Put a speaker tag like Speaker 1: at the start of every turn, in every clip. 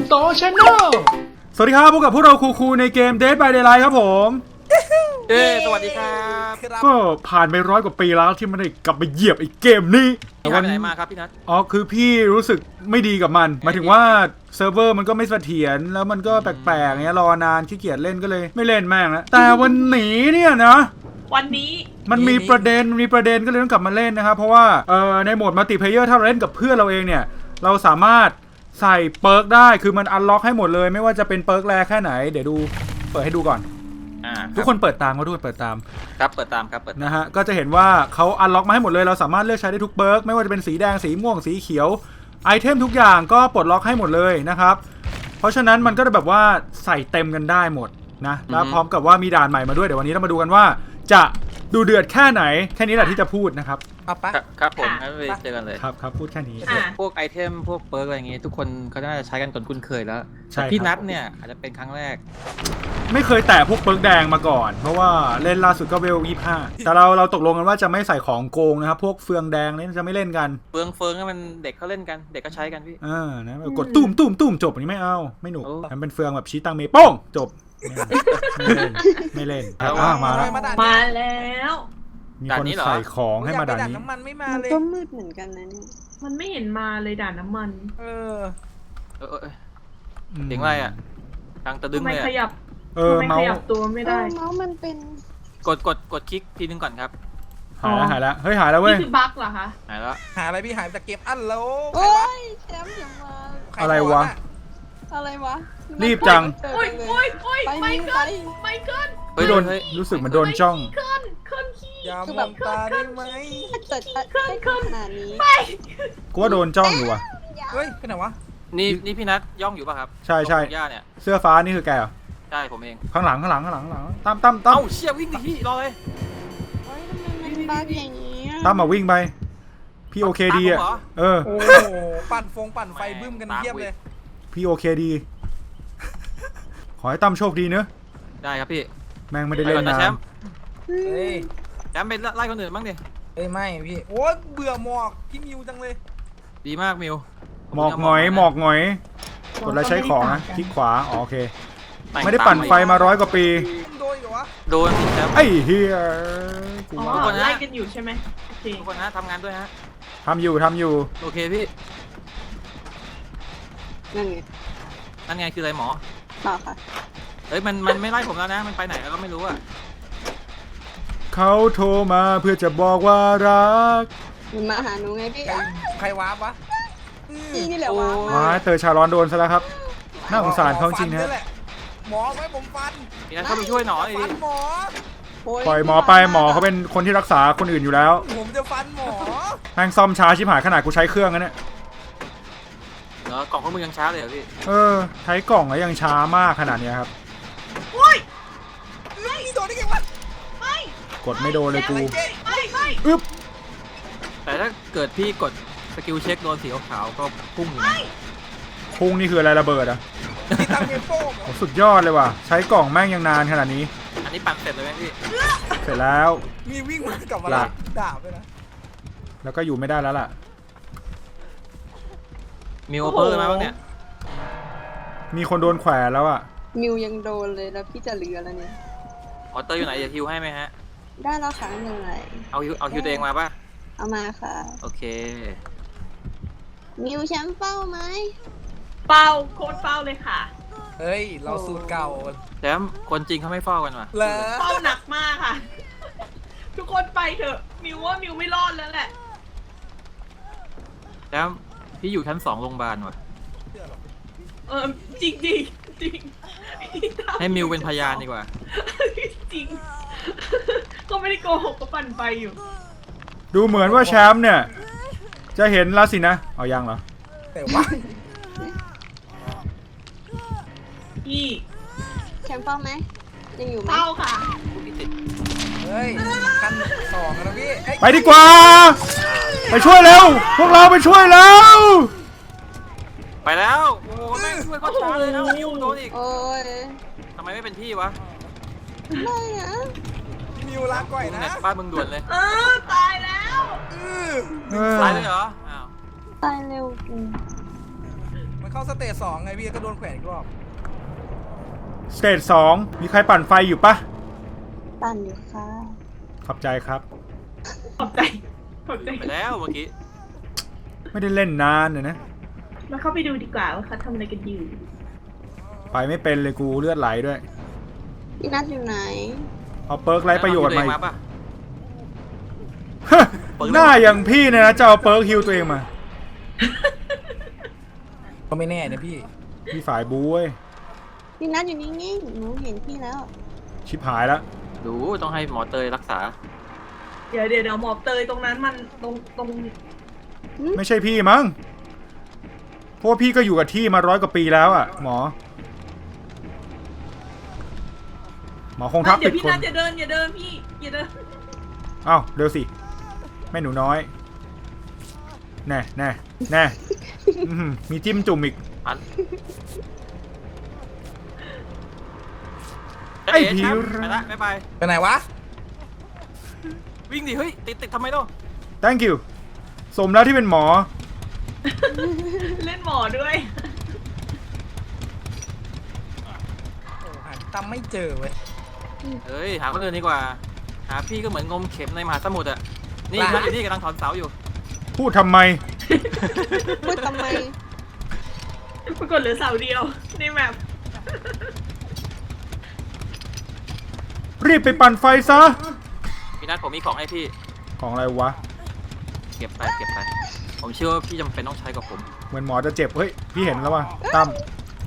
Speaker 1: โตชาแนลสวัสดีครับพบกับพวกเราคูในเกม Dead by Daylight ครับผม
Speaker 2: สวัสดีครับ
Speaker 1: ก็ผ่านไป100 กว่าปีแล้วที่ไม่ได้กลับมาเหยียบไอ้เกมนี้
Speaker 2: พี่นัทไปไหนมาครับพี่นัท
Speaker 1: คือพี่รู้สึกไม่ดีกับมันหมายถึงว่าเซิร์ฟเวอร์มันก็ไม่เสถียรแล้วมันก็แปลกๆเงี้ยรอนานขี้เกียจเล่นก็เลยไม่เล่นแม่งแล้วแต่วันนี้เนี่ยนะ
Speaker 3: วันนี้
Speaker 1: มันมีประเด็นก็เลยต้องกลับมาเล่นนะครับเพราะว่าในโหมดมัลติเพลเยอร์ถ้าเราเล่นกับเพื่อนเราเองเนี่ยเราสามารถใส่เปิร์กได้คือมันอันล็อกให้หมดเลยไม่ว่าจะเป็นเปิร์กแรแค่ไหนเดี๋ยวดูเปิดให้ดูก่อนทุกคนเปิดตามก็ด้วยเปิดตาม
Speaker 2: ครับเปิดตามครับเปิด
Speaker 1: นะฮะก็จะเห็นว่าเขาอันล็อกมาให้หมดเลยเราสามารถเลือกใช้ได้ทุกเปิร์กไม่ว่าจะเป็นสีแดงสีม่วงสีเขียวไอเทมทุกอย่างก็ปลดล็อกให้หมดเลยนะครับเพราะฉะนั้นมันก็จะแบบว่าใส่เต็มกันได้หมดนะแล้วพร้อมกับว่ามีด่านใหม่มาด้วยเดี๋ยววันนี้เรามาดูกันว่าจะดูเดือดแค่ไหนแค่นี้แหละที่จะพูดนะครับ
Speaker 2: ครับผมงั้นไปเจอกันเลย
Speaker 1: ครับพูดแค่นี้
Speaker 2: พวกไอเทมพวกเปิร์กอะไรอย่างงี้ทุกคนเขาน่าจะใช้กันจนคุ้นเคยแล้วพี่นัทเนี่ยอาจจะเป็นครั้งแรก
Speaker 1: ไม่เคยแตะพวกเปิร์กแดงมาก่อนเพราะว่าเล่นล่าสุดก็เวล25แต่เราตกลงกันว่าจะไม่ใส่ของโกงนะครับพวกเฟืองแดงนี่จะไม่เล่นกัน
Speaker 2: เฟืองก็มันเด็กเขาเล่นกันเด็กก็ใช้กันพี่
Speaker 1: นะกดตุ้มจบอันนี้ไม่เอาไม่หนุกมันเป็นเฟืองแบบชี้ตังเมย์โป้งจบไม่เล่นมา
Speaker 3: แล้ว
Speaker 1: มีคนใส่ของให้มาด่านนี้
Speaker 4: น้ำมันไม่มาเลย
Speaker 5: ก็มืดเหมือนกันนะนี่
Speaker 3: มันไม่เห็นมาเลยด่านน้ำมัน
Speaker 2: เสียงอะไรอ่ะทางตะดึงเลย
Speaker 3: ทำไมขยับตัวไม่ได้
Speaker 5: เมาส์มันเป็น
Speaker 2: กดคลิกทีนึงก่อนครับ
Speaker 1: หายแล้วเฮ้ยหายแล้วเว้ย
Speaker 3: นี่คือบั๊กเหรอคะ
Speaker 2: หายแล้ว
Speaker 4: หาอะไรพี่หายจากเก็บอันแล้ว
Speaker 5: โอ้ยแชมป์อย่ามา
Speaker 1: อะไรวะรีบจัง
Speaker 3: โอ้ยไม่เกิน
Speaker 1: เฮ้ยโดนรู้สึกเหมือนโดนจ้อง
Speaker 3: เคลื่อนขี้
Speaker 4: อย่ามองตาได้ไหม
Speaker 5: ขนาดนี้
Speaker 1: กูว่าโดนจ้องอยู่ว่ะ
Speaker 4: เฮ้ยเป็นไงวะ
Speaker 2: นี่พี่นัทย่องอยู่ป่ะครับ
Speaker 1: ใช่
Speaker 2: เนี่ย
Speaker 1: เสื้อฟ้านี่คือแกเหรอ
Speaker 2: ใช่ผมเอง
Speaker 1: ข้างหลังตั้ม
Speaker 2: เอ้าเชี่ยวิ่งดิพี่รอเลย
Speaker 5: บ้าอย่างนี้
Speaker 1: ตั้มมาวิ่งไปพี่โอเคดีอ่ะ
Speaker 4: โอ้ปั่นไฟบึ้มกันเทียบเลย
Speaker 1: พี่โอเคดีขอให้ตั้มโชคดีเนอะ
Speaker 2: ได้ครับพี่
Speaker 1: แม่งไม่ได้เล่นนะ
Speaker 2: แชมป์ไปไล่คนอื่นบ้างดิ
Speaker 4: ไม่พี่โอ้เบื่อหมอกพี่มิวจังเลย
Speaker 2: ดีมากมิว
Speaker 1: หมอกหงอยกดแล้วใช้ของนะคลิกขวาโอเคไม่ได้ปั่นไฟมา100 กว่าปี
Speaker 2: โดน
Speaker 1: ไอ้เฮีย
Speaker 3: ไล่กันอยู่ใช่ไหม
Speaker 2: ทุกคนนะทำงานด้วยฮะ
Speaker 1: ทำอยู่
Speaker 2: โอเคพี่
Speaker 5: นั่นไง
Speaker 2: คืออะไรหมอ
Speaker 5: เปล่าค่ะ
Speaker 2: เฮ้ยมันไม่ไล่ผมแล้วนะมันไปไหนแล้วก็ไม่รู้อ่ะ
Speaker 1: เขาโทรมาเพื่อจะบอกว่ารัก
Speaker 5: มันมาหาหนูไงพี่
Speaker 4: ใครวาร์ปวะ
Speaker 5: นี่แหละว
Speaker 1: ะเตอชาร้อนโดนซะแล้วครับน่าสงสารเขาจริงนะ
Speaker 4: หมอไว้ผมฟัน
Speaker 2: พี่นัทเข้าไปช่วยหนอดิ
Speaker 1: ปล่อยหมอไปหมอเขาเป็นคนที่รักษาคนอื่นอยู่แล้ว
Speaker 4: ผมจะฟันหมอ
Speaker 1: แม่งซ่อมช้าชิบหายขนาดกูใช้เครื่องนะเนี่ย
Speaker 2: กล่องข้อมือยังช้าเลยเหรอพี่
Speaker 1: ใช้กล่องแล้วยังช้ามากขนาดนี้ครับ
Speaker 3: โอ้ย
Speaker 4: ไม่โดนได้ไงวะ
Speaker 3: ไม่
Speaker 1: กดไม่โดนเลยกู
Speaker 3: อึ๊บ
Speaker 2: แต่ถ้าเกิดพี่กดสกิลเช็คโดนสีขาวก็พุ่งอยู่
Speaker 1: พุ่งนี่คืออะไรระเบิดอ่ะ
Speaker 4: ที่ตั้งเกมโป้
Speaker 1: สุดยอดเลยว่ะใช้กล่องแม่งยังนานขนาดนี้
Speaker 2: อันนี้ปั่นเสร็จเลยไหมพี่
Speaker 1: เสร็จแล้ว
Speaker 4: มีวิ่งมากลับมาดาบไปนะ
Speaker 1: แล้วก็อยู่ไม่ได้แล้วล่ะ
Speaker 2: มิวเปอร์มาบ้างเนี่ย
Speaker 1: มีคนโดนแขวนแล้วอ่ะ
Speaker 5: มิวยังโดนเลยแล้วพี่จะเหลือแล้วเนี่ย
Speaker 2: เตอร์อยู่ไหนจะฮิวให้ไหมฮะ
Speaker 5: ได้แล้วค่ะไม่เป็นไร
Speaker 2: เอาฮิวตัวเองมาป่ะ
Speaker 5: เอามาค่ะ
Speaker 2: โอเค
Speaker 5: มิวแชมป์เป้าไหม
Speaker 3: เป้าโคตรเป้าเลยค่ะ
Speaker 4: เฮ้ยเราสูตรเก่า
Speaker 2: แชมป์คนจริงเขาไม่เฝ้ากันว่ะ
Speaker 3: เป้าหนักมากค่ะทุกคนไปเถอะมิวว่ามิวไม่รอดแล้วแหละ
Speaker 2: แชมป์พี่อยู่ชั้น2โรงพยาบาลว่ะ
Speaker 3: จริง
Speaker 2: ให้มิวเป็นพยานดีกว่า
Speaker 3: จริงก็ไม่ได้โกหกก็ปั่นไปอยู่
Speaker 1: ดูเหมือนว่าแชมป์เนี่ยจะเห็นแล้วสินะเอายังเหรอ
Speaker 4: แต่ว่า
Speaker 3: พี่
Speaker 5: แชมป์เป้าไหมยังอยู่ไหม
Speaker 3: เป้าค่ะ
Speaker 4: เฮ้ยขั้น2แล้วพี่
Speaker 1: ไปดีกว่าไปช่วยเร็วพวกเราไปช่วยแล้ว
Speaker 2: ไปแล้วโอ้โหแม่งช่วยเขาช้าเลยนะมิวโดนอีก
Speaker 5: โอ้ย
Speaker 2: ทำไมไม่เป็นพี่วะ
Speaker 5: ไม่นะ
Speaker 4: มิวรักก่อยนะ
Speaker 2: บ้านมึงด่วนเลย
Speaker 3: ตายแล้ว
Speaker 2: ตายเลยเหรออ้าว
Speaker 5: ตายเร็ว
Speaker 4: มันเเข้าสเตจ2ไงพี่ก็โดนแขวนอีกรอบ
Speaker 1: สเตจ2มีใครปั่นไฟอยู่ปะ
Speaker 5: ปั่นอยู่ค่ะ
Speaker 1: ขอบใจครับ
Speaker 3: ขอบใจขอบใจ
Speaker 2: ไปแล้วเมื่อกี้
Speaker 1: ไม่ได้เล่นนานเลยนะ
Speaker 3: มาเข้าไปดูดีกว่าว่าเขาทำอะไรกันอยู่
Speaker 1: ไปไม่เป็นเลยกูเลือดไหลด้วย
Speaker 5: พี่นัทอยู่ไหน
Speaker 1: เอาเปิร์กไร้ประโยชน์
Speaker 2: แล้ว
Speaker 1: มา
Speaker 2: เอาตัวเองมาปะ
Speaker 1: หน้าอย่างพี่เนี่ยนะจะเอาเปิร์กฮิวตัวเองมา
Speaker 4: ก็ไม่แน่นะพี่
Speaker 1: พี่ฝ่ายบูเว้ย
Speaker 5: พี่นัทอยู่นิ่งๆหนูเห็นพี่แล้ว
Speaker 1: ชิบหายแล้ว
Speaker 2: ดูต้องให้หมอเตยรักษา
Speaker 3: เดี๋ยวหมอบเตยตรงนั้นมันตรง
Speaker 1: ไม่ใช่พี่มั้งเพราะว่าพี่ก็อยู่กับที่มา100 กว่าปีแล้วอ่ะหมอคงทัก
Speaker 3: เดี๋
Speaker 1: ผิ
Speaker 3: ย
Speaker 1: ด
Speaker 3: วพี่
Speaker 1: คน
Speaker 3: นัทอย่าเดินพี่อย่าเดิน
Speaker 1: อ้าวเร็วสิแม่หนูน้อยแน่อื้อหือมีจิ้มจุ่มอีก
Speaker 2: อัน
Speaker 1: ไอ้ผี
Speaker 2: แชมป์ไปละบ๊ายบาย
Speaker 4: ไปไหนวะ
Speaker 2: วิ่งดิเฮ้ยติดทำไมล่ะ
Speaker 1: thank you สมแล้วที่เป็นหมอ
Speaker 3: เล่นหมอด้วย
Speaker 4: โอ้หาตั้มไม่เจอเว้ย
Speaker 2: เฮ้ยหาคนอื่นดีกว่า หาพี่ก็เหมือนงมเข็มในมหาสมุทรอะนี่
Speaker 4: บ้า
Speaker 2: พี่อยู่นี่กำลังถอนเสาอยู่
Speaker 1: พูดทำไม
Speaker 5: พูดทำไม
Speaker 3: ปรากฏเหลือเสาเดียวในแมป
Speaker 1: รีบไปปั่นไฟซะ
Speaker 2: พี่นัทผมมีของให้พี่
Speaker 1: ของอะไรวะ
Speaker 2: เก็บไปผมเชื่อว่าพี่จำเป็นต้องใช้กับผม
Speaker 1: เหมือนหมอจะเจ็บเฮ้ยพี่เห็นแล้วว่ะตั้ม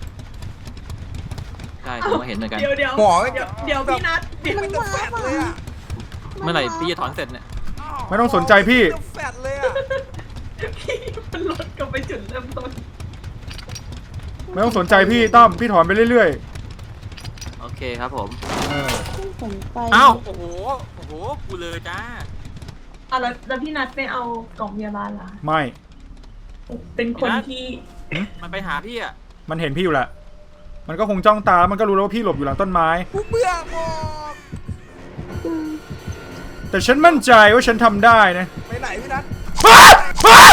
Speaker 2: ใช่ผมก็เห็นเหมือนกัน
Speaker 3: เดี๋ยว
Speaker 4: หมอ
Speaker 3: เดี๋ยวพี่นัทเดี๋ยว
Speaker 4: ไม่ต้องแฟดเลยอะ
Speaker 2: เมื่อไหร่พี่จะถอนเสร็จเนี่ย
Speaker 1: ไม่ต้องสนใจพี่
Speaker 4: ไม่ต้องแฟดเลยอะ
Speaker 3: พี่มันลดกลับไปจุดเริ่มต้น
Speaker 1: ไม่ต้องสนใจพี่ตั้มพี่ถอนไปเรื่อย
Speaker 2: โอเคครับผม
Speaker 1: ๆเออ
Speaker 5: ผมไป
Speaker 2: อ้าวโอ้โหกูเลยจ้า
Speaker 3: อ่ะแล้วพี่นัทไปเอากล่องพยาบาลเหรอ
Speaker 1: ไม่
Speaker 3: เป็นคนที่
Speaker 2: มันไปหาพี่อะ
Speaker 1: มันเห็นพี่อยู่แหละมันก็คงจ้องตามันก็รู้แล้วว่าพี่หลบอยู่หลังต้นไม้
Speaker 4: กูเบื่อหมด
Speaker 1: แต่ฉันมั่นใจว่าฉันทำได้นะ
Speaker 4: ไปไหนพี่นัท
Speaker 1: อ้าอ้า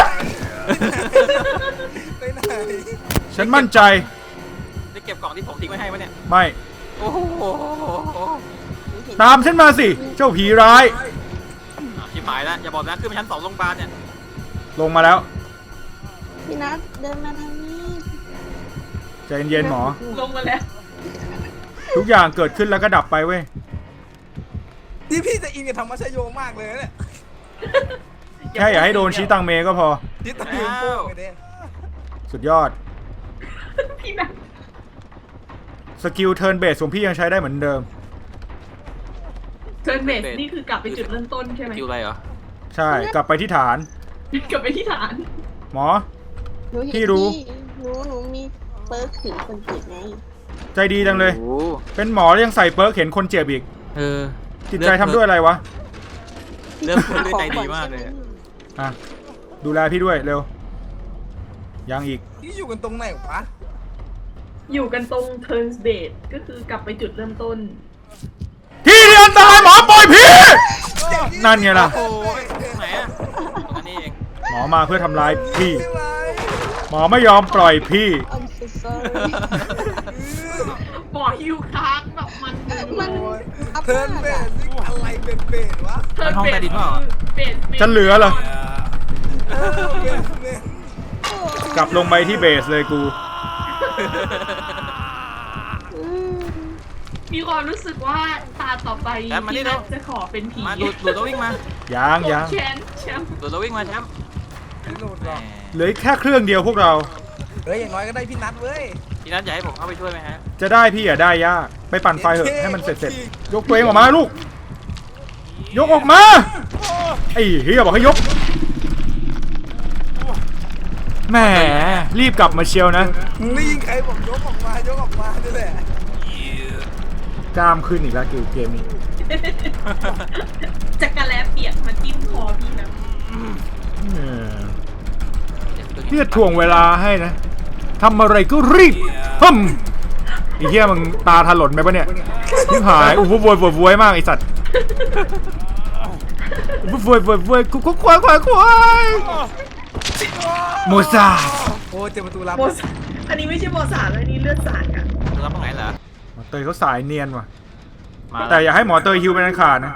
Speaker 4: ไปไหน
Speaker 1: ฉันมั่นใจ
Speaker 2: ได้เก็บกล่องที่ผมทิ้งไว้ให้ปะเนี่ย
Speaker 1: ไม่
Speaker 2: โอ้โห
Speaker 1: ตามฉันมาสิ เจ้าผีร้าย
Speaker 2: ชิบหายแล้วอย่าบอกนะขึ้นมาชั้น2โรงพยาบาลเนี่ย
Speaker 1: ลงมาแล้ว
Speaker 5: พี่นัทเดินมาทางนี้
Speaker 1: ใจเย็นๆหมอ
Speaker 3: ลงมาแล้ว
Speaker 1: ทุกอย่างเกิดขึ้นแล้วก็ดับไปเว้ย
Speaker 4: ที่พี่จะอินกับธรรมชโยมากเลยเนี่ย
Speaker 1: แค่อย่าให้โดนชี้ตังเมก็พอ
Speaker 4: ที่ตะลืมโป้งไปเด้
Speaker 1: สุดยอด
Speaker 3: พี่นัท
Speaker 1: สกิลเทิร์นเบสของพี่ยังใช้ได้เหมือนเดิม
Speaker 3: เทิร์นเบสนี่คือกลับไปจุดเริ่มต้นใช่ไหม
Speaker 2: คิวอะไรเหรอ
Speaker 1: ใช่ กลับไปที่ฐาน
Speaker 3: กลับไปที่ฐาน
Speaker 1: หมอ
Speaker 5: หนูเห็น
Speaker 1: พี่รู้
Speaker 5: หนูมีเปิร์กถือคนเจ็บไง
Speaker 1: ใจดีจังเลย
Speaker 2: โอ้โห
Speaker 1: เป็นหมอแล้วยังใส่เปิร์กเห็นคนเจ็บอีก
Speaker 2: เออ
Speaker 1: จิตใจทำด้วยอะไรวะ
Speaker 2: เริ่มด้วยใจดีมากเลย
Speaker 1: อ่ะ ดูแลพี่ด้วยเร็ว ยังอีก
Speaker 4: ที่อยู่กันตรงไหนวะ
Speaker 3: อยู่กันตรงเทิร์นเบสก็คือกลับไปจุดเริ่มต้น
Speaker 1: ที่ที่อันตรายหมอปล่อยพี่ นั่นไงล่ะ
Speaker 2: โอ้ยไหนอะตรงนั้นนี่เอง
Speaker 1: หมอมาเพื่อทำร้ายพี่
Speaker 4: ไม่ไหว
Speaker 1: หมอไม่ยอมปล่อยพี่
Speaker 5: I'm so sorry
Speaker 3: บ่อฮิวค้างแบบมัน
Speaker 5: มัน
Speaker 4: โอ้ย
Speaker 5: อัพ
Speaker 4: เทิร์น
Speaker 5: มาก
Speaker 4: เบ
Speaker 5: อะ
Speaker 4: สนี่อะไรเป็นเบสวะ
Speaker 3: เทิร์น
Speaker 2: ห้อง
Speaker 3: เบ
Speaker 2: ใต้
Speaker 3: ส
Speaker 2: ดินเปล่า
Speaker 3: เบส
Speaker 1: จะเหลือเหรอ
Speaker 4: เออเบสเบส
Speaker 1: กลับลงไปที่เบสเลยกู
Speaker 5: อืม
Speaker 3: มีความรู้สึกว่าตาต่อไป
Speaker 2: แชมป์มานี่
Speaker 3: พี่
Speaker 2: เร็
Speaker 3: นั
Speaker 2: ว
Speaker 3: ทจะขอเป็นผี
Speaker 2: มาดูดตัววิ่งมา
Speaker 1: ยัง
Speaker 3: แชมป์แชมป์
Speaker 2: ดูดตัววิ่งมาแชมป์
Speaker 4: ไม่หลุดหรอก
Speaker 1: เหลือแค่เครื่องเดียวพวกเรา
Speaker 4: เฮ้ยอย่างน้อยก็ได้พี่นัทเว้ย
Speaker 2: พี่นัทอยากให้ผมเข้าไปช่วยไหมฮะ
Speaker 1: จะได้พี่อย่าได้ยาก ไปปั่นไฟเถอะให้มันเสร็จๆ ยกตัวเองออกมาลูก ยกออกมา ไอ้เฮียบอกให้ยก แหมรีบกลับมาเชียวนะ
Speaker 4: มึงได้ยินใครบอกยกออกมายกออกมานี่แหละ
Speaker 1: กล้ามขึ้นอีกแล้วเกมนี้
Speaker 3: จักรแลเปียกมาจิ้มคอพี่นะ
Speaker 1: พี่จะถ่วงเวลาให้นะทำอะไรก็รีบฮึมไอ้เหี้ยมึงตาถลนไปปะเนี่ยทิ่หายอู้วโวยมากไอสัตว์อู้วกูควายโมซา
Speaker 4: โอ้เจอประตูลับ
Speaker 3: โมซอันนี้ไม่ใช่บอสารอันนี้เลือดสารค่ะ
Speaker 2: รับตรงไหนเหรอ
Speaker 1: หมอเตยเขาสายเนียนว่ะ
Speaker 2: มา
Speaker 1: แต่อย่าให้หมอเตยฮิวเป็นอันขาดนะ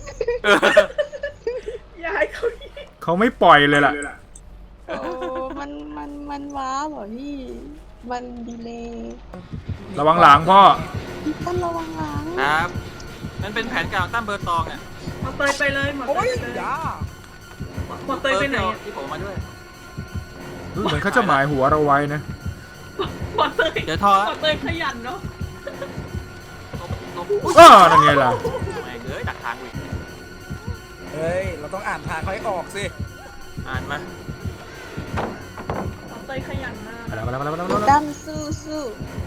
Speaker 3: อย่าให้เขา
Speaker 1: เขาไม่ปล่อยเลยล่ะ
Speaker 5: โอ้มันว้าเหรอพี่ มันดีเลย
Speaker 1: ระวังหลังพ่อ
Speaker 5: พี่ตั้มระวังหลัง
Speaker 2: ครับมันเป็นแผนการของตั้มเบอร์ตองอ่ะ
Speaker 3: หมอเตยไปเลยหมอ
Speaker 4: โอ้
Speaker 3: เต
Speaker 4: ย
Speaker 3: ยไปเลย
Speaker 4: อย่า
Speaker 3: หมอเตยไปไหนอะ
Speaker 2: ที่ผมมาด้วย
Speaker 1: เหมือนเขาจะหมายหัวเราไว้นะ
Speaker 3: หมอเตย
Speaker 2: เดี๋ยวทอ
Speaker 3: หมอเตยขยันเนาะ
Speaker 2: ตบ
Speaker 1: อ้าวนั่นไงล่ะ
Speaker 2: แม่งเอ้ยดักทางกูอีก
Speaker 4: เฮ้ย เราต้องอ่านทางเขาให้ออกสิ
Speaker 2: อ่านมา
Speaker 3: หมอเตยขยันมาก
Speaker 1: มาแล้วมาแล้วมาแล้วมา
Speaker 5: พี่
Speaker 1: แล้ว
Speaker 5: ตั้มสู้สู้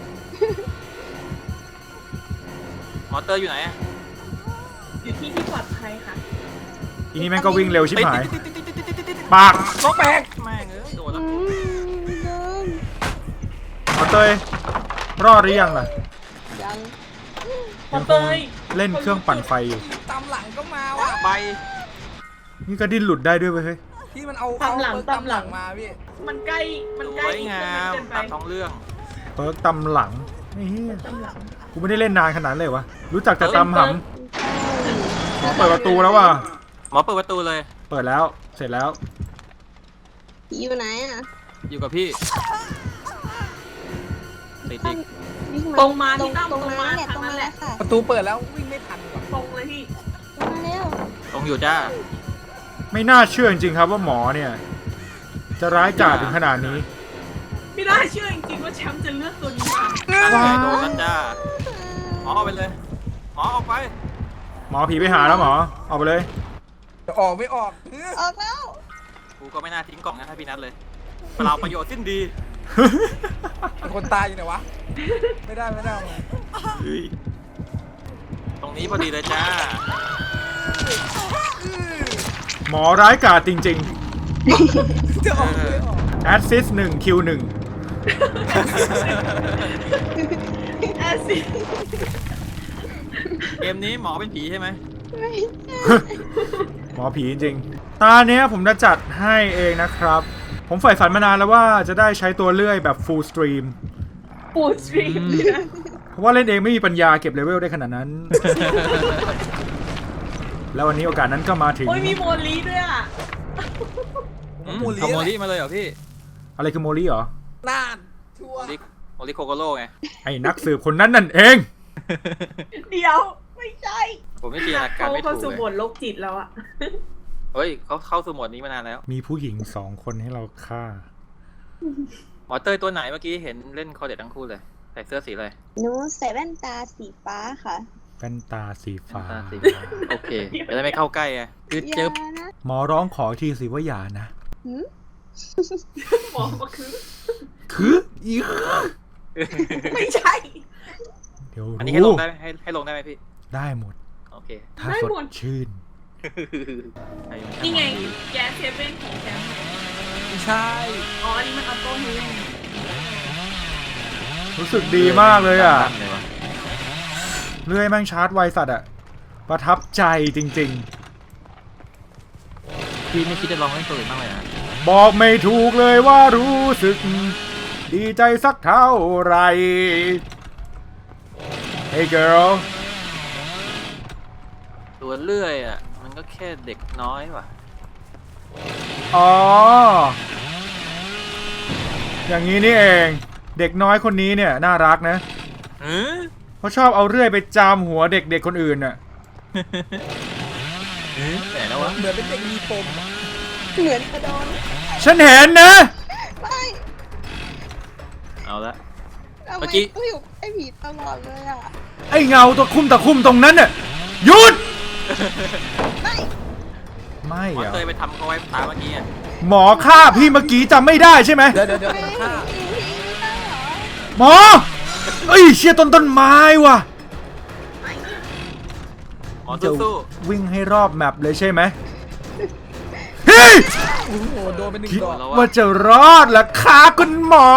Speaker 2: หมอเตอร์อยู่ไหนอะ
Speaker 3: อยู่ที่ที่ปลอดภัยค่ะ
Speaker 1: ทีนี้แม่งก็วิ่งเร็วชิบหาย
Speaker 2: ติด
Speaker 1: ปาก
Speaker 4: ล็อกแบก
Speaker 2: แม่งเอ้ยโดนแล้ว
Speaker 5: เดิน
Speaker 1: หมอเตยรอดหรือยังล่ะ
Speaker 5: ยัง
Speaker 3: หมอเตย
Speaker 1: เล่นเครื่องปั่นไฟอยู่
Speaker 4: ตามหลังก็มาว่ะ
Speaker 2: ใบ
Speaker 1: นี่ก็ดิ้นหลุดได้ด้วยเว้ยเฮ้ย
Speaker 4: ที่มันเอาเอาเปิดตามหลังมาพี่
Speaker 3: มันใกล้ มัน
Speaker 2: ส
Speaker 3: ใกล้
Speaker 2: วยงาม
Speaker 3: เกินไป
Speaker 2: ตามท้องเรื่อง
Speaker 1: เปิร์กตำหลังไอ้เหี้ย
Speaker 3: ตำหลัง
Speaker 1: กูไม่ได้เล่นนานขนาดนั้นเลยวะรู้จักแต่ตำห
Speaker 3: เปิด
Speaker 1: ำหมอเปิดประตูแล้วว่ะ
Speaker 2: หมอเปิดประตูเลย
Speaker 1: เปิดแล้วเสร็จแล้ว
Speaker 5: พี่อยู่ไหนอ่ะ
Speaker 2: อยู่กับพี่ติดอีก
Speaker 5: วิ่ง
Speaker 3: ตรงมา
Speaker 5: ตร
Speaker 3: ที่
Speaker 5: ง
Speaker 3: ตั้ม
Speaker 5: ตรง
Speaker 3: ตรง
Speaker 5: มา
Speaker 3: มา
Speaker 5: เนี่ย
Speaker 3: ทาง
Speaker 5: ตรง
Speaker 3: นั้
Speaker 5: มาน
Speaker 3: แห
Speaker 5: แล้
Speaker 3: ละ
Speaker 5: วค่ะ
Speaker 4: ประตูเปิดแล้ววิ่งไม่ทันว่ะ
Speaker 3: ตรงเลยพี่
Speaker 5: ตรงมาเร็ว
Speaker 2: ตรงอยู่จ้า
Speaker 1: ไม่น่าเชื่อจริงๆครับว่าหมอเนี่ย จะร้ายกาจถึงขนาดนี้
Speaker 3: ไม่น่าเชื่อจริงๆว่าแชมป์จะเลือกตัวนี้มา
Speaker 2: ตั้งใจโดนแล้วจ้าหมอเอาไปเลย หมอออกไป
Speaker 1: หมอผีไปหาแล้วหมอเอาไปเลย
Speaker 4: จะออกไม่ออก
Speaker 5: ออกแล้ว
Speaker 2: กูก็ไม่น่าทิ้งกล่องนั้นให้พี่นัทเลยเปล่าประโยชน์สิ้นดี
Speaker 4: เป็นคนตายอยู่ไหนวะ ไม่ได้ไม่ได้เอามา
Speaker 2: ตรงนี้พอดีเลยจ้า
Speaker 1: หมอร้ายกาจจริง
Speaker 4: จะออกไม่ออก
Speaker 1: ๆ แอดซิส1คิว1
Speaker 3: แอซิด
Speaker 2: เกมนี้หมอเป็นผีใช่ไหม
Speaker 1: หมอผีจริงๆตาเนี้ยผมจะจัดให้เองนะครับ ผมใฝ่ฝันมานานแล้วว่าจะได้ใช้ตัวเลื่อยแบบ full stream
Speaker 3: ปูดสตรีมเลยนะ
Speaker 1: เพราะว่าเล่นเองไม่มีปัญญาเก็บเลเวลได้ขนาดนั้น แล้ววันนี้โอกาสนั้นก็มาถึง
Speaker 3: โอ้ยมีโมลีด้วยอ่ะ
Speaker 2: ขโมลี่มาเลยเหรอพี่
Speaker 1: อะไรคือโมลี่เหรอ
Speaker 4: น่านชัว
Speaker 2: โม
Speaker 4: ร์
Speaker 2: ลี่โมลี่โคโกโร่ไง
Speaker 1: ไอ้นักสืบคนนั้นนั่นเอง
Speaker 3: เดี๋ยวไม่ใช่
Speaker 2: ผมไม่จินตนาการไม่
Speaker 3: เข้า
Speaker 2: ถู
Speaker 3: สู่
Speaker 2: ก
Speaker 3: บ
Speaker 2: เลย
Speaker 3: ทโรคจิตแล้วอ่ะ
Speaker 2: เฮ้ยเขาเข้าสู่โหมดนี้มานานแล้ว
Speaker 1: มีผู้หญิง2 คนให้เราฆ่า
Speaker 2: หมอเต้ยตัวไหนเมื่อกี้เห็นเล่นคอเด็ดทั้งคู่เลย ใส่เสื้อสีอะไร
Speaker 5: หนูใส่แว่นตาสีฟ้าค่ะ
Speaker 1: แว่นตาสีฟ้า
Speaker 2: ตาสีฟ้าโอเคจะได้ไม่เข้าใกล้ไงคือ
Speaker 5: อย่า
Speaker 2: เจอ
Speaker 5: นะ
Speaker 1: หมอร้องขอทีสิว่าอย่านะ
Speaker 5: หืม
Speaker 3: หมอก็คือ
Speaker 1: คืออีก
Speaker 3: ไม่ใช่
Speaker 1: เดี๋ยว
Speaker 2: อันนี้ให้ล
Speaker 1: รู้
Speaker 2: งได้ไหมให้ลงได้ไหมพี่
Speaker 1: ได้หมด
Speaker 2: โอเค
Speaker 1: ถ้าสดชื่น
Speaker 3: นี่ไงแก๊สเซเว่นของแชมป์
Speaker 4: ไม่ใช่
Speaker 3: อ๋ออันนี้มันออโต้ฮิว
Speaker 1: รู้สึกดีมากเลยอ่ะ
Speaker 2: ตั้งเลยวะ
Speaker 1: เลื่อยแม่งชาร์จไวสัตว์อ่ะ ประทับใจจริง
Speaker 2: พี่ไม่คิดจะลองเล่นตัวอื่นบ้างเลยนะ
Speaker 1: ๆ บอกไม่ถูกเลยว่ารู้สึก ดีใจสักเท่าไหร่ Hey girl
Speaker 2: ตัวเลื่อยอ่ะมันก็แค่เด็กน้อยว่ะ
Speaker 1: อ๋อ อย่างนี้นี่เอง เด็กน้อยคนนี้เนี่ยน่ารักนะ เขาชอบเอาเรื่อยไปจามหัวเด็กๆคนอื่นน่ะ
Speaker 2: แต่แล้ววะ
Speaker 4: เหมือนเป็นเด็กมีปมอะ
Speaker 5: เหมือนกระโดน
Speaker 1: ฉันเห็นนะ
Speaker 5: ไม่
Speaker 2: เอาละ
Speaker 5: ทำ
Speaker 2: เมื่
Speaker 5: ไม
Speaker 2: อกี้
Speaker 5: ต้องอยู่ไอ้ผีตลอดเลยอ่ะ
Speaker 1: ไอ้เงาตะคุ่มตรงนั้นน่ะหยุด
Speaker 5: ไม่
Speaker 1: ไม่
Speaker 2: หมอ
Speaker 1: อะ
Speaker 2: เตยไปทำเขาไว้ตาเมื่อกี้อ่ะ
Speaker 1: หมอฆ่าพี่เมื่อกี้จำไม่ได้ใช่ไหม
Speaker 4: เดี๋ยว
Speaker 5: ไม่
Speaker 4: ฆ่า
Speaker 5: ผีไม่ได้เหรอ
Speaker 1: หมอเอ้ยเชี่ยต้นไม้ว่ะ
Speaker 2: หมอ
Speaker 1: จะ
Speaker 2: สู้
Speaker 1: วิ่งให้รอบแมปเลยใช่ไหมเฮ้ย
Speaker 4: โอ้โหโดนไปหนึ่ง
Speaker 1: คิด
Speaker 4: ดอก
Speaker 2: แล้ว
Speaker 1: ว่าจะรอดเหรอคะคุณหมอ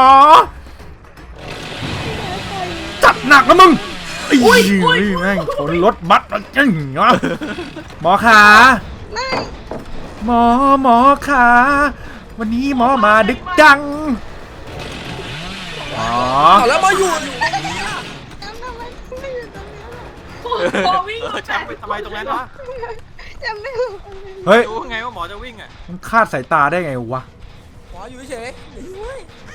Speaker 1: จัดหนักนะมึงอุ้ยแม่งชนรถบัสแล้วจริงเหรอหมอขา
Speaker 5: ไม่
Speaker 1: หมอขาวันนี้หมอมาดึกจัง
Speaker 2: หมอ
Speaker 4: เอาแล้วมาอยู่ตรงนี้ล่ะ
Speaker 5: แชมป์ทำไมไม่อยู่ตรงนี้ล่ะ
Speaker 3: พอวิ่ง
Speaker 2: แชมป์ไปทำไมตรงนั้นวะ
Speaker 5: แชมป์ไม่อยู่ตรงนี้
Speaker 1: เฮ้ย
Speaker 2: รู้ไงว่าหมอจะวิ่งอ่ะ
Speaker 1: มันคาดสายตาได้ไงวะ
Speaker 4: หมออยู่เฉยเดี๋ยวช่วย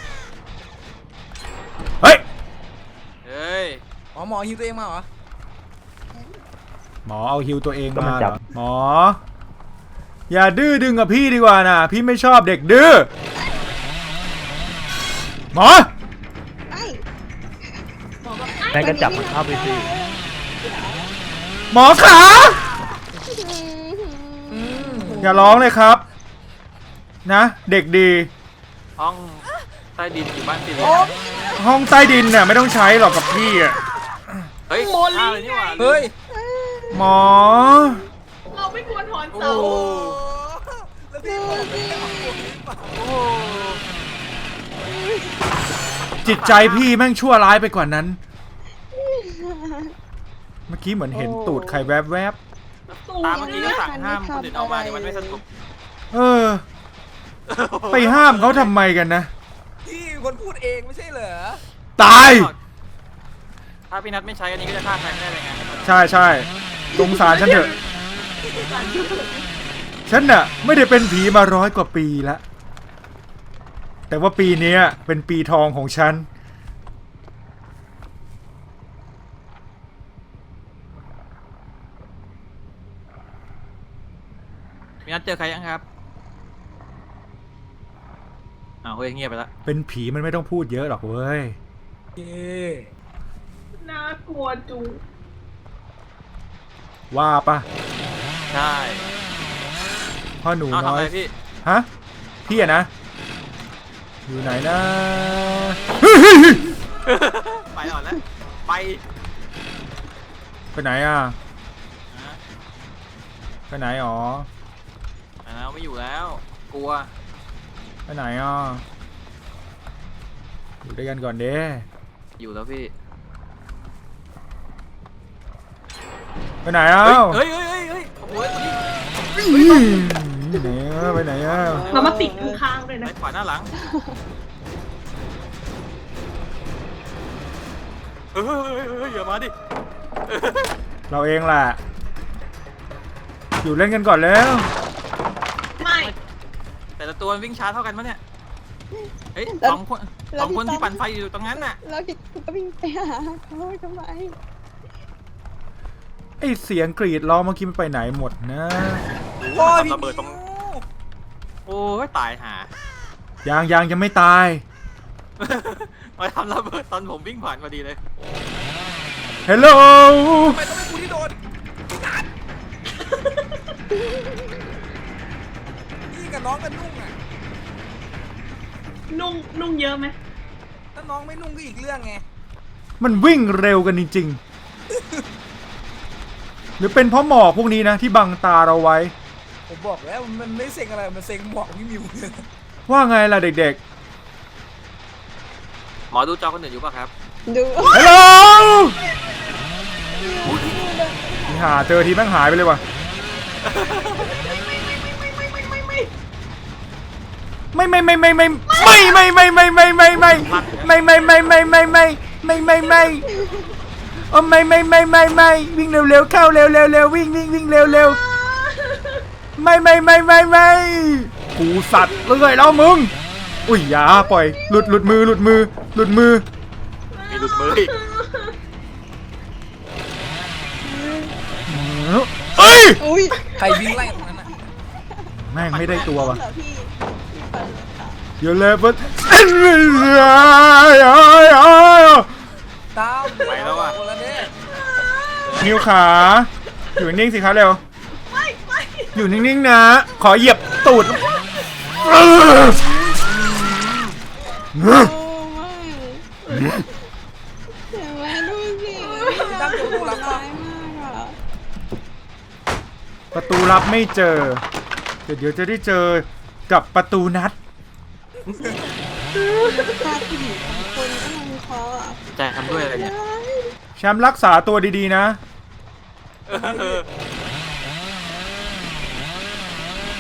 Speaker 1: เฮ้ย
Speaker 2: เฮ้ย
Speaker 4: หมอฮิวตัวเองมาเหรอ
Speaker 1: หมอเอาฮิวตัวเองมาเหรอหมอ อย่าดื้อดึงกับพี่ดีกว่านะพี่ไม่ชอบเด็กดื้อหมอ
Speaker 5: ไม่
Speaker 6: แม่งก็จับมันเข้าไปสิ
Speaker 1: หมอขาอย่าร้องเลยครับ นะ เด็กดี
Speaker 2: ห้องใต้ดินอยู่บ้านติดเลย
Speaker 1: ห้องใต้ดินเนี่ยไม่ต้องใช้หรอกกับพี่อ่ะ
Speaker 2: เฮ้ย
Speaker 3: โม
Speaker 2: ฆ่า
Speaker 3: ลี่
Speaker 2: เลยนี่หว่า
Speaker 4: เฮ้ย
Speaker 1: หมอ
Speaker 3: เราไม่ควรถอน
Speaker 2: โอ้
Speaker 3: เสา
Speaker 2: โห
Speaker 4: แล้วพี่บอกไม่ได้เอาตัวนี้มา
Speaker 2: โอ้โห
Speaker 1: จิตใจพี่แม่งชั่วร้ายไปกว่านั้น เมื่อกี้เหมือนเห็นตูดใครแวบ
Speaker 2: ตามเมื่อกี้ก็สั่งห้ามคนอื่นออกมาเนี่ยมันไม่สนุก
Speaker 1: ๆเออ ไปห้ามเขาทำไมกันนะ
Speaker 4: พี่เป็นคนพูดเองไม่ใช่เหรอ
Speaker 1: ตาย
Speaker 2: ถ้าพี่นัทไม่ใช้อันนี้ก็จะฆ่าใครไม่ได้เลยไง
Speaker 1: ใช่ใช่สงสารฉันเถอะ ฉันน่ะ ไม่ได้เป็นผีมา100 กว่าปีแล้ว แต่ว่าปีนี้เป็นปีทองของฉัน
Speaker 2: พี่นัทเจอใครยังครับอ้าวเฮ้ยเงียบไปละ
Speaker 1: เป็นผีมันไม่ต้องพูดเยอะหรอกเว้ย
Speaker 4: เย้
Speaker 3: น่ากลัวจุง
Speaker 1: ว่าปะ
Speaker 2: ใช่
Speaker 1: พ่อหนู
Speaker 2: เอาทำ
Speaker 1: น้อ
Speaker 2: อะไร
Speaker 1: ย
Speaker 2: พี่
Speaker 1: ฮะ พี่อะนะ อยู่ไหนนะ
Speaker 2: ไปก่อนแล้วไป
Speaker 1: ไปไหนอ่ะ
Speaker 2: นะ
Speaker 1: ไปไหนอ๋อ
Speaker 2: แล้วไม่อยู่แล้ว กลัว
Speaker 1: ไปไหนอ่ะ อยู่ด้วยกันก่อนเด้
Speaker 2: อยู่แล้วพี่
Speaker 1: ไปไหนอ่ะ
Speaker 2: เฮ้ยเฮ้ยเฮ้ยเฮ้ยโอ้โหตัวนี้
Speaker 1: ไปไหนอ่ะไปไหนอ่ะ
Speaker 3: เรามาติดข้างๆเลยนะ
Speaker 2: ซ้ายขวาหน้าหลังเฮ้ยเฮ้ยเฮ้ยอย่ามาดิ
Speaker 1: เราเองแหละ อยู่เล่นกันก่อนแล้ว
Speaker 3: ไม่
Speaker 2: แต่ละตัวมันวิ่งช้าเท่ากันปะเนี่ย เฮ้ยสองคนที่ปั่นไฟอยู่ตรงนั้นน่ะ
Speaker 5: แล้วพี่ก็วิ่งไปหาเขาทำไม
Speaker 1: ไอเสียงกรีดร้องเมื่อกี้มันไปไหนหมดนะ
Speaker 4: โอ้ย
Speaker 2: ทำระเบิดตรง โอ้ยตายหา
Speaker 1: ยังไม่ตาย
Speaker 2: มาทำระเบิดตอนผมวิ่งผ่านพอดีเลย
Speaker 1: เฮลโล
Speaker 4: ทำไมต้องเป็นกูที่โดนพี่กับน้องกันนุ่งอ่ะ
Speaker 3: นุ่งเยอะไหม
Speaker 4: ถ้าน้องไม่นุ่งก็อีกเรื่องไง
Speaker 1: มันวิ่งเร็วกันจริงๆ หรือเป็นเพราะหมอกพวกนี้นะที่บังตาเราไว้
Speaker 4: ผมบอกแล้วมันไม่เซ็งอะไร มันเซ็งหมอกพี่มิวเลย
Speaker 1: ว่าไงล่ะเด็ก
Speaker 2: หมอดูจอคนอื่นอยู่ป่ะครับ
Speaker 5: ดู
Speaker 1: ๆฮัลโหลนี่หาเจอทีแม่งหายไปเลยว่ะ ไม่วิ่งเร็วๆเข้าเร็ววิ่งเร็วไม่กูสัตว์เรื่อยแล้วมึงอุ้ยอย่าปล่อยหลุดมือ
Speaker 2: มีหลุดมืออีก
Speaker 1: เอ้ย
Speaker 5: อุ้ย
Speaker 4: ใครวิ่งไล่ตรงนั้นอ่ะ
Speaker 1: แม่งไม่ได้ตัวว่ะ
Speaker 5: เหรอพี่ปั่นเลยค่ะ
Speaker 1: เดี๋ยวเลยปุ๊บ
Speaker 4: ตาม
Speaker 2: ไปแล้วอ่ะ
Speaker 4: คนละเนี่ย
Speaker 1: นิวขาอยู่นิ่งสิครับเร็ว
Speaker 3: ไม่
Speaker 1: อยู่นิ่งๆนะ ขอเหยียบตูด
Speaker 5: โอ้ไม่เห็นไหมดูสิ
Speaker 4: พี่ตั้งตัวรับ
Speaker 5: ร้า
Speaker 4: ป่ะ
Speaker 5: ยมากอ่ะ
Speaker 1: ประตูลับไม่เจอ เดี๋ยวจะได้เจอกับประตูนัด
Speaker 5: พาผู้หญิงสองคนก็ลงคออ่ะ
Speaker 2: ใจทำด้วยอะไรเนี่ย
Speaker 1: แชมป์รักษาตัวดีๆนะ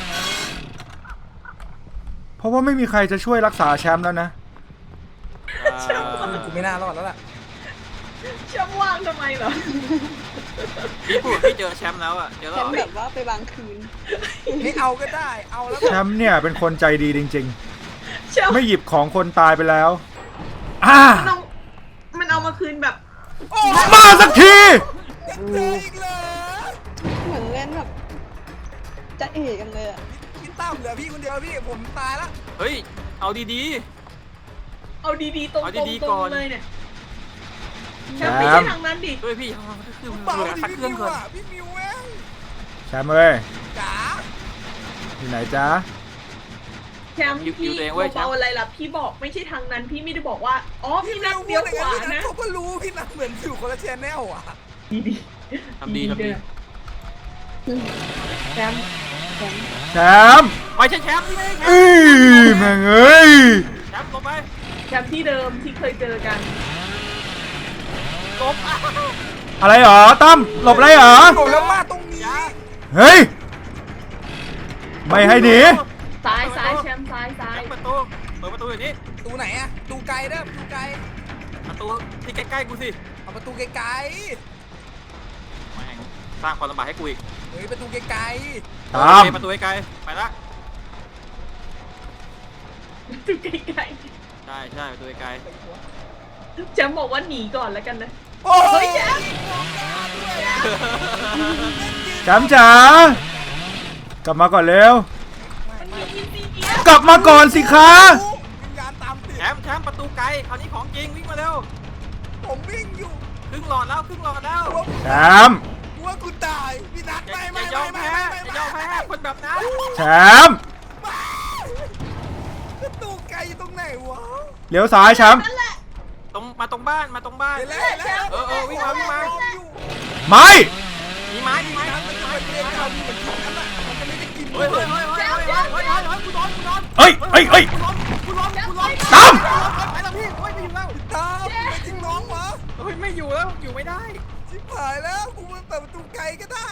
Speaker 1: เพราะว่าไม่มีใครจะช่วยรักษาแชมป์แล้วนะ
Speaker 2: ใช่
Speaker 3: เชื่อว่า
Speaker 4: กูไม่น่ารอดแล้วล่ะ
Speaker 3: เชื่อว่างทำไมเหรอ
Speaker 2: พี่พูดพี่เจอแชมป์แล้วอ่ะเจอ
Speaker 5: แช
Speaker 2: แล้ว
Speaker 5: มป์แบบว่าไปบางคืน
Speaker 4: ไม่เอาก็ได้ เอาแล้ว
Speaker 1: แชมป์เนี่ยเป็นคนใจดีจริง
Speaker 3: เชื่อ
Speaker 1: ๆ ไม่หยิบของคนตายไปแล้ว
Speaker 3: มันเอามาคืนแบบ
Speaker 4: โอ้
Speaker 1: มาสักที
Speaker 4: ยังเจออีกเลย
Speaker 5: เหมือนเล่นแบบจะเอกกันเลยอะ
Speaker 4: พี่ตั้มเหลือพี่คนเดียวพี่ผมตายละ
Speaker 2: เฮ้ยเอาดี
Speaker 3: เอาดีๆตรง
Speaker 2: เอา
Speaker 3: ๆ
Speaker 2: ดี
Speaker 3: ต
Speaker 2: ๆก่
Speaker 3: รง
Speaker 2: อน
Speaker 3: เลยเนี่ย
Speaker 1: แช
Speaker 3: แชม
Speaker 1: มป์
Speaker 3: ป์ไม่ใช่ทางนั้นดิ
Speaker 2: ๆด้วยพี่คือ
Speaker 4: เปล่า
Speaker 2: เวลา
Speaker 4: ดิ
Speaker 2: พัก
Speaker 4: พี่
Speaker 2: เครื่อง
Speaker 4: มิว
Speaker 2: ก่อน
Speaker 4: อ่ะพี่มิวเว้ย
Speaker 1: แชมป์เอ้ย
Speaker 4: จ๋า
Speaker 1: อยู่ไหนจ๊ะ
Speaker 3: แชมป์พี่เบาๆอะไรล่ะพี่บอกไม่ใช่ทางนั้นพี่ไม่ได้บอกว่าอ๋อพี่นัดเดียวขวา
Speaker 4: พี่นัท
Speaker 3: นะ
Speaker 4: เขาก็รู้พี่นัทเหมือนอยู่คนละแชนแนลอ่ะ
Speaker 3: ดี
Speaker 2: ทำดีทำดี
Speaker 3: แชมป์
Speaker 1: แชมป์
Speaker 2: ไม่ใช่แชมป์ที่ไม่ใช่แชมป์
Speaker 1: แม่งเอ้ย
Speaker 2: แชมป์ลงไป
Speaker 3: แชมป์ที่เดิมที่เคยเจอกัน
Speaker 2: ลบอ้าว
Speaker 1: อะไรหรอตั้มหลบอะไรหรอ
Speaker 4: ผมแล้วมาตรงนี้
Speaker 1: เฮ้ยไม่ให้หนี
Speaker 3: ซ้ายแชมป์ซ้าย
Speaker 2: แชมป์เปิดประตูอย่างนี้
Speaker 4: ตูไหนอะตูไกลเด้อตูไกล
Speaker 2: ประตูที่ใกล้ๆกูสิ
Speaker 4: เอาประตูไกล
Speaker 2: แม่งสร้างความลำบากให้กูอีก
Speaker 4: ๆเฮ้ยประตูไกล
Speaker 1: ตาม
Speaker 2: ประตูไกลๆไปละ
Speaker 3: ดูไกล
Speaker 2: ใช่ประตูไกล
Speaker 3: ๆแชมป์บอกว่าหนีก่อนแล้วกันนะ
Speaker 4: ๆโอ้
Speaker 3: เฮ้
Speaker 4: ย
Speaker 3: ยแชมป์
Speaker 1: แชมป์จ๋ากลับมาก่อนเร็ว
Speaker 3: มันมีทีซีเกีย
Speaker 1: กลับมาก่อนสิคะ
Speaker 4: วิญญาณตามติด
Speaker 2: แชมป์ประตูไกลคราวนี้ของจริงวิ่งมาเร็ว
Speaker 4: ผมวิ่งอยู่
Speaker 2: ครึ่งหลอดแล้ว
Speaker 1: แชมป์
Speaker 4: กลัวกูตายพี่นัท
Speaker 2: อย่า
Speaker 4: ไม่
Speaker 2: อย่ายอมแพ้อย่ายอมแพ้คนแบบนั้น
Speaker 1: แชมป์
Speaker 4: ประตูไกลอยู่ตรงไหนวะ
Speaker 1: เลี้ยวซ้ายแชมป์
Speaker 3: นั่นแหละ
Speaker 2: มาตรงบ้าน
Speaker 4: เห็นแล้ว
Speaker 2: เออวิ่งมา
Speaker 1: ไม่
Speaker 2: มีไม้
Speaker 4: มันจะเป็นเรื่องเราเหมือนกันน่ะมันจะไม่ได้กิน
Speaker 2: เฮ้ยกูโดน
Speaker 1: เอ้ย
Speaker 2: กูโดน
Speaker 1: ตั้ม
Speaker 2: ไปแล้วพี่ไม่อยู่แล้ว
Speaker 4: ตามไม่จริงน้องวะ
Speaker 2: เฮ้ยไม่อยู่แล้วอยู่ไม่ได้
Speaker 4: ชิบหายแล้วกูมาเปิดประตูไกลก็ได้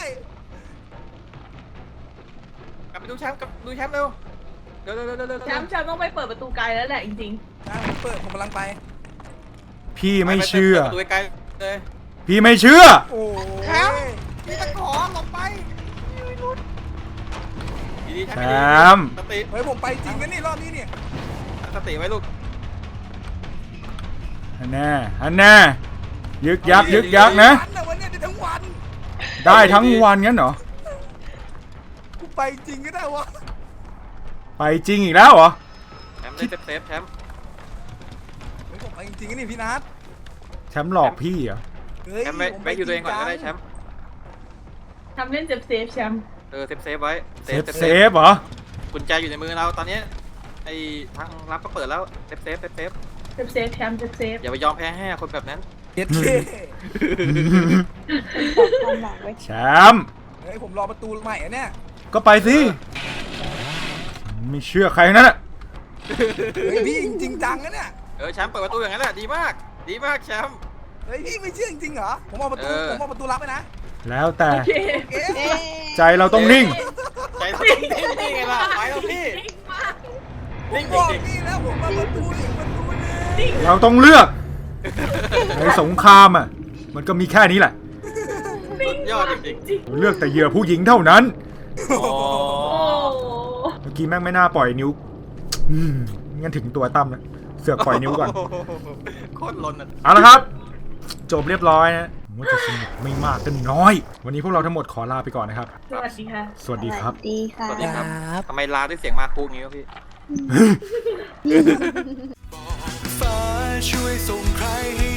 Speaker 2: กลับไปดูแชมป์เร็วเร็ว
Speaker 3: แชมป์ต้องไปเปิดประตูไกลแล้วแหละจริง
Speaker 4: ได้ผมเปิดผมกำลังไป
Speaker 1: พี่ไม่เชื่อ
Speaker 2: ประตูไกลเลย
Speaker 1: พี่ไม่เชื่อ
Speaker 4: โอ้
Speaker 2: แชมป์มีตะขอลงไปดีๆ
Speaker 1: แชมป์
Speaker 2: สติ
Speaker 4: เฮ้ยผมไปจริงนะนี่รอบนี้เนี่ย
Speaker 2: สติไว้ลูก
Speaker 1: อันแน่ยึกยักนะ
Speaker 4: วันนี้ได้ทั้งวัน
Speaker 1: ได้ทั้งวันงั้นเหรอ
Speaker 4: กูไปจริงก็ได้วะ
Speaker 1: ไปจริงอีกแล้วเหรอ
Speaker 2: แชมป์ได้เซฟแชมป์
Speaker 4: เฮ้ยผมไปจริงๆนี่พี่นัท
Speaker 1: แชมป์หลอกพี่เหรอ
Speaker 4: เฮ้ย
Speaker 2: แชมป์ไว้อยู่ตัวเองก่อนก็ได้แชมป์
Speaker 3: ๆทำเล่นเซฟแชมป์
Speaker 2: เซฟไว้
Speaker 1: เซฟเหรอ
Speaker 2: กุญแจอยู่ในมือเราตอนนี้ไอ้ทางรับก็เปิดแล้วเซฟ
Speaker 3: เซฟแชมป์เซฟ
Speaker 2: อย่าไปยอมแพ้ให้คนแบบนั้น
Speaker 4: เย็ดเค
Speaker 5: บอกความหวังไว้
Speaker 1: แชมป์
Speaker 4: เฮ้ยผมรอประตูใหม่อะเนี่ย
Speaker 1: ก็ไปสิ ไม่เชื่อใครทั้งนั้นอะ
Speaker 4: เฮ้ยพี่จริงจังนะเนี่ย
Speaker 2: แชมป์เปิดประตูอย่างนั้นแหละดีมากแชมป์
Speaker 4: เฮ้ยพี่ไม่เชื่อจริงเหรอผมเอาประตูรับไปนะ
Speaker 1: แล้วแต่
Speaker 3: โอเค
Speaker 4: เอ๊ะ
Speaker 5: เอ๊ะ
Speaker 1: ใจเราต้องนิ่ง
Speaker 2: ใจเราต้องนิ่งไงล่ะไปแล้วพี่
Speaker 4: ผม
Speaker 2: นิ่ง
Speaker 4: บอก
Speaker 2: จริง
Speaker 4: พี่แล้วผมมาประตูอีกประตูนึง
Speaker 1: เราต้องเลือก ในสงครามอ่ะ มันก็มีแค่นี้แหละ
Speaker 2: ๆยอดจริง
Speaker 1: เลือกแต่เหยื่อผู้หญิงเท่านั้น
Speaker 2: ๆอ๋อ
Speaker 3: โอ้
Speaker 1: เมื่อกี้แม่งไม่น่าปล่อยนิ้วงั้นถึงตัวตั้มนะเสือกปล่อยนิ้วก่อน
Speaker 2: โคตรลนอ่ะ
Speaker 1: เอาละครับ จบเรียบร้อยนะผมว่าจะสนุกไม่มากก็น้อย วันนี้พวกเราทั้งหมดขอลาไปก่อนนะครับ
Speaker 3: สวัสดีค่ะ
Speaker 1: สวัสดีครับ
Speaker 5: ดีค่ะ
Speaker 2: สวัสดีครับทำไมลาด้วยเสียงมาคุกงี้วะพี่
Speaker 7: ฟ้าช่วยส่งใครให้